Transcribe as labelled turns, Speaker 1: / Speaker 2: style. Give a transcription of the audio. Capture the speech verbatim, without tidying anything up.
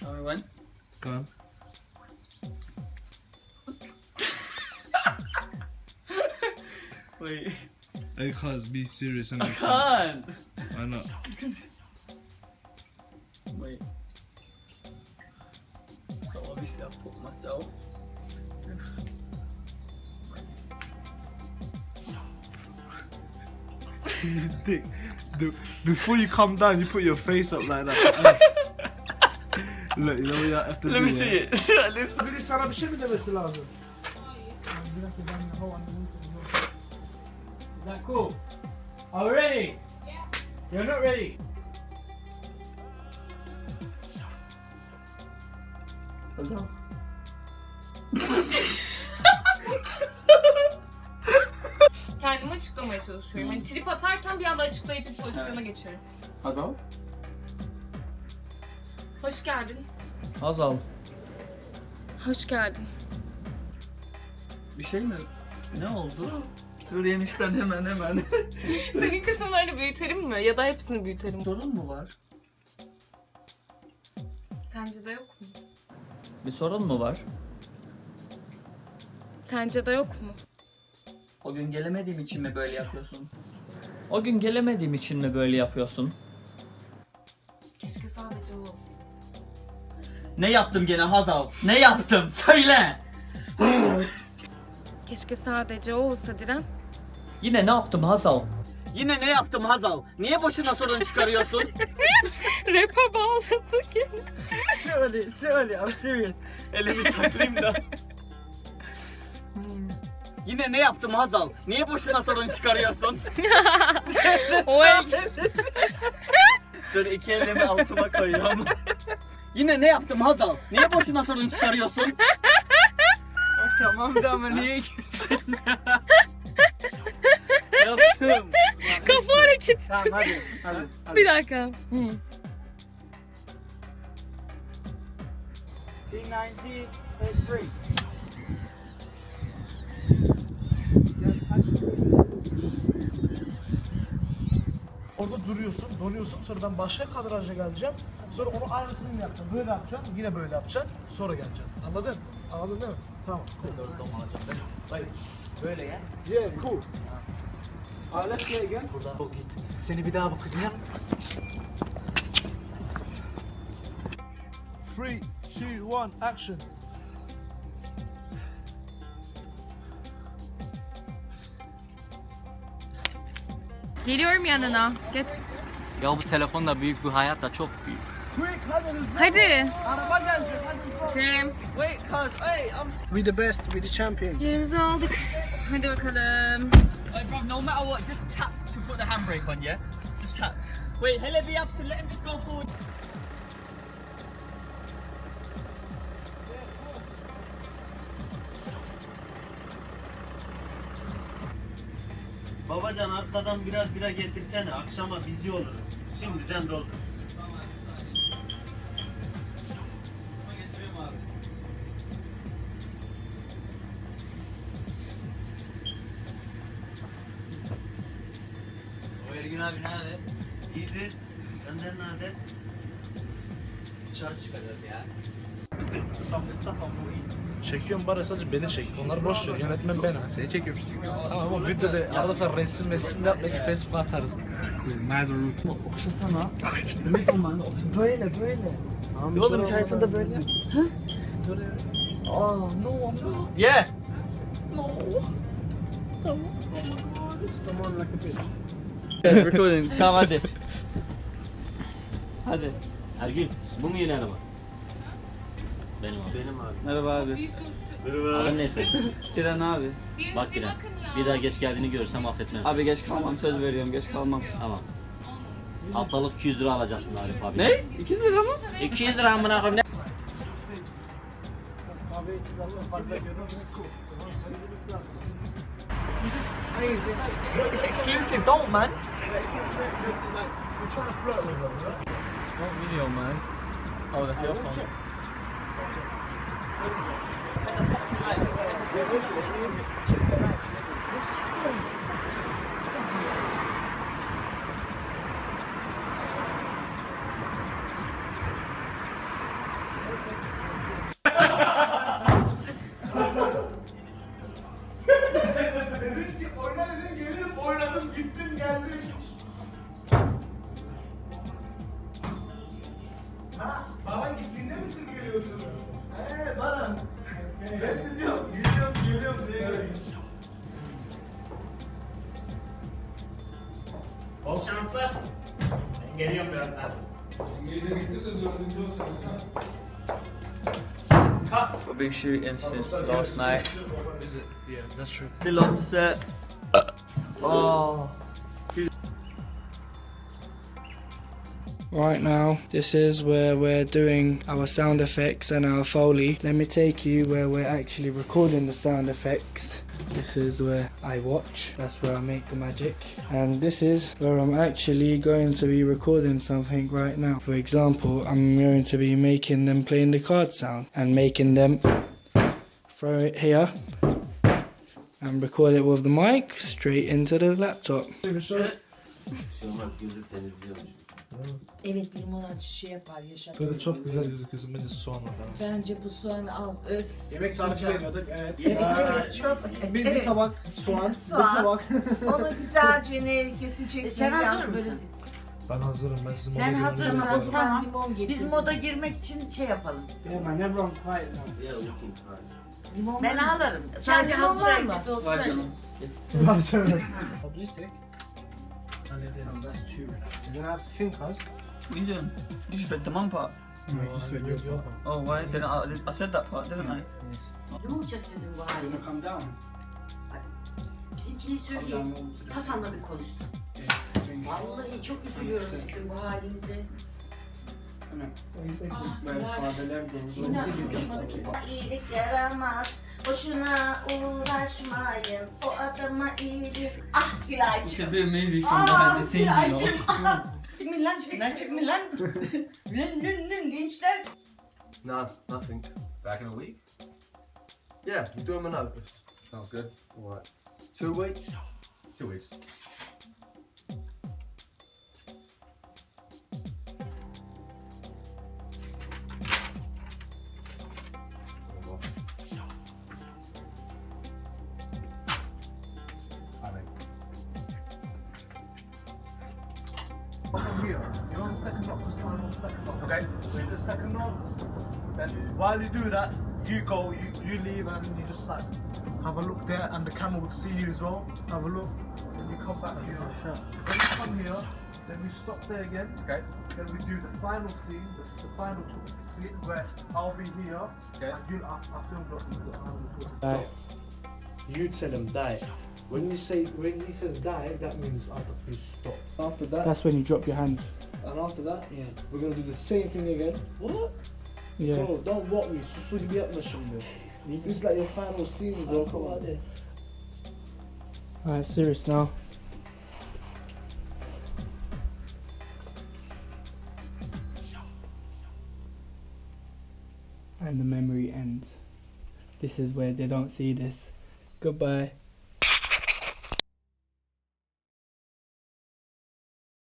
Speaker 1: Alright, when?
Speaker 2: Go on.
Speaker 1: Wait.
Speaker 2: Hey, cuz, be serious and
Speaker 1: I
Speaker 2: listen.
Speaker 1: can't!
Speaker 2: Why not?
Speaker 1: Wait. So obviously I've put myself.
Speaker 2: Dick, dude, before you come down, you put your face up like that. Look, you know what you have to
Speaker 1: Let
Speaker 2: do.
Speaker 1: me see it. Listen.
Speaker 3: Biri sana bir şey mi demesi lazım?
Speaker 1: Is that cool? Are we ready? Yeah. You're not ready. Hazal.
Speaker 4: Kendimi açıklamaya çalışıyorum. Hani trip atarken bir anda açıklayıcı bir pozisyona geçiyorum.
Speaker 1: Hazal.
Speaker 4: Hoş geldin.
Speaker 1: Hazal.
Speaker 4: Hoş geldin.
Speaker 1: Bir şey mi? Ne oldu? Dur yenişten hemen hemen.
Speaker 4: Senin kısımlarını büyütelim mi? Ya da hepsini büyütelim.
Speaker 1: Sorun mu var?
Speaker 4: Sence de yok mu?
Speaker 1: Bir sorun mu var?
Speaker 4: Sence de yok mu?
Speaker 1: O gün gelemediğim için mi böyle yapıyorsun? O gün gelemediğim için mi böyle yapıyorsun?
Speaker 4: Keşke sadece o olsun.
Speaker 1: Ne yaptım gene Hazal? Ne yaptım? Söyle!
Speaker 4: Keşke sadece o olsa Diren.
Speaker 1: Yine ne yaptım Hazal? Yine ne yaptım Hazal? Niye boşuna sorun çıkarıyorsun?
Speaker 4: Rap'e bağladık ya.
Speaker 1: Söyle, söyle, I'm serious. Elimi saklayayım da. Yine ne yaptım Hazal? Niye boşuna sorun çıkarıyorsun?
Speaker 4: Oy.
Speaker 1: Dur iki elimi altıma koyuyorum. Yine ne yaptım Hazal? Niye boşuna sorun çıkarıyorsun? Oh, tamam da ama niye girdin? Yaptım.
Speaker 4: Kafa hareketi.
Speaker 1: Tamam hadi, hadi, hadi.
Speaker 4: Bir dakika. Hı.
Speaker 1: C ninety, take three.
Speaker 3: Orada duruyorsun, donuyorsun. Sonra ben başka kadraja geleceğim. Sonra onu aynısını yapacağım. Böyle yapacağım, yine böyle yapacağım. Sonra geleceğim. Anladın? Anladın değil mi? Tamam. Cool.
Speaker 1: Böyle ya.
Speaker 3: Yeah, cool. Uh, let's play again.
Speaker 1: Buradan o git. Seni bir daha bu kızına.
Speaker 3: Three, two, one, action.
Speaker 4: Geliyorum yanına. Geç.
Speaker 1: Ya bu telefonla büyük, bu hayat da çok büyük.
Speaker 3: Quick, hadi hızlı.
Speaker 4: Hadi.
Speaker 3: Araba gelecek, hadi hızlı.
Speaker 4: Cem.
Speaker 1: Wait, cuz, hey, I'm
Speaker 3: We the best, we the champions.
Speaker 4: Yerimizi aldık. Hadi bakalım.
Speaker 1: Hey bro, no matter what, just tap to put the handbrake on, yeah? Just tap. Wait, hele bir yapsın, let him just go forward.
Speaker 5: Babacan arkadan biraz bira getirsene, akşama bizi oluruz. Şimdiden doldur. O Ergün abi ne haber? İyidir. Senden ne haber? Dışarı çıkacağız ya.
Speaker 3: Çekiyorum bari sadece beni çek. Onlar boş ver. Yönetmen benim. Seni çekiyorum. Tamam ama videoda arada sen resim resim yap belki Facebook'a atarız.
Speaker 1: Okşasana. Demek olmalı. Böyle, böyle. Ya oğlum içerisinde böyle yap. Hı? Dur ya. Aa, no, no. Yeah. No. Tamam.
Speaker 3: Come on like a bitch.
Speaker 1: Yes, recording. Tamam hadi. Hadi.
Speaker 5: Ergün, bu mu yeni araba? Benim abi. Benim abi.
Speaker 1: Merhaba abi.
Speaker 5: Adın neyse?
Speaker 1: Diren abi.
Speaker 5: Bak Diren. Bir daha geç geldiğini görürsem affetmem.
Speaker 1: Abi geç kalmam, söz veriyorum geç kalmam.
Speaker 5: Tamam. Haftalık iki yüz lira alacaksın Arif abi.
Speaker 1: Ne? iki yüz lira mı?
Speaker 5: iki yüz lira amına koyayım.
Speaker 3: Kahve içeceğiz Allah fazla görüyoruz.
Speaker 1: It's, it's exclusive, don't man.
Speaker 3: We're trying to flirt with them, yeah?
Speaker 1: Don't video man. Oh, that's your phone.
Speaker 3: Baran gittiğinde mi siz geliyorsunuz? Eee Baran. Ben de diyorum geliyorum geliyorum diye geliyorum.
Speaker 5: Bol şanslar. Ben geliyorum birazdan.
Speaker 1: A big shoot instance last night.
Speaker 3: Is it? Yeah, that's true.
Speaker 1: Still on set. Oh.
Speaker 6: Right now, this is where we're doing our sound effects and our Foley. Let me take you where we're actually recording the sound effects. This is where I watch, that's where I make the magic. And this is where I'm actually going to be recording something right now. For example, I'm going to be making them playing the card sound and making them throw it here and record it with the mic straight into the laptop.
Speaker 7: Evet, limon acı şey yapar, yaşar.
Speaker 3: Böyle çok güzel gözüküyorsun. Bence soğan var.
Speaker 7: Bence bu soğanı al. Öf.
Speaker 3: Yemek tarifi veriyorduk. Evet.
Speaker 7: Evet, evet, çok.
Speaker 3: Bir, bir
Speaker 7: evet.
Speaker 3: tabak soğan,
Speaker 7: Soğan.
Speaker 3: bir tabak.
Speaker 7: Onu güzelce ne keseceksin.
Speaker 8: Sen hazır
Speaker 7: yalnız
Speaker 8: mısın?
Speaker 7: böyle-
Speaker 3: Ben hazırım. Ben sizin
Speaker 8: Sen
Speaker 3: moda
Speaker 8: hazırsın,
Speaker 3: girmenizi
Speaker 8: hazır.
Speaker 3: bekliyorum.
Speaker 8: Tamam.
Speaker 7: Limon getir.
Speaker 8: Biz moda girmek için şey yapalım.
Speaker 6: Yeah man, everyone quiet now.
Speaker 5: Yeah, we can try.
Speaker 7: Limon
Speaker 8: Ben
Speaker 7: var mı?
Speaker 8: alırım. Sadece
Speaker 7: limon
Speaker 8: hazır
Speaker 7: var mı?
Speaker 8: elbise olsun.
Speaker 1: Var
Speaker 8: öyle.
Speaker 1: canım.
Speaker 3: Var canım.
Speaker 6: Please take.
Speaker 3: Hallederiz.
Speaker 6: That's two.
Speaker 3: You're gonna have to think, Haz.
Speaker 1: What are you doing? You just read the mum part.
Speaker 6: No, you just read your
Speaker 3: Yok.
Speaker 1: Oh, why didn't I? I said that part, didn't I?
Speaker 8: Ne olacak sizin bu
Speaker 6: You wanna
Speaker 8: haliniz?
Speaker 6: come down?
Speaker 8: Bizimkine
Speaker 6: Come
Speaker 8: söyleyin.
Speaker 6: down more to the-
Speaker 8: Hasan'la bir konuşsun. Vallahi çok üzülüyorum sizin bu halinize.
Speaker 6: Böyle kadeler doğru.
Speaker 8: Yine konuşmadı ki. İyilik yaramaz. Boşuna uğraşmayın. O adama iyilik. Ah Gülay'cığım.
Speaker 1: Should be a movie from
Speaker 8: Ah
Speaker 1: behind the scenes, you
Speaker 8: Gülay'cığım.
Speaker 1: know.
Speaker 8: Ah. Çıkmayın lan şeyden çıkmayın lan. Lün lün lün gençler.
Speaker 9: Nah, nothing. Back in a week? Yeah, you do them a notice. Sounds good. Alright. Two weeks? Two weeks.
Speaker 3: From here, you're on the second knock, just sign on the second knock, okay? So you do the second knock, then while you do that, you go, you, you leave, and you just like have a look there, and the camera would see you as well. Have a look, then you come back here. Then you come here, then we stop there again.
Speaker 9: Okay.
Speaker 3: Then we do the final scene, the, the final talk scene where I'll be here,
Speaker 9: Okay.
Speaker 3: and you'll I, I filmed up the final talk.
Speaker 6: Die.
Speaker 2: You tell him die. When you say, when he says die, that means I have to stop. After that,
Speaker 6: That's when you drop your hands.
Speaker 2: and after that,
Speaker 6: Yeah.
Speaker 2: we're gonna do the same thing again. What?
Speaker 6: Yeah.
Speaker 2: Bro, don't walk me. Suslu gibi yapma şimdi. This is like your final scene, bro. Come on.
Speaker 6: Alright, serious now. And the memory ends. This is where they don't see this. Goodbye.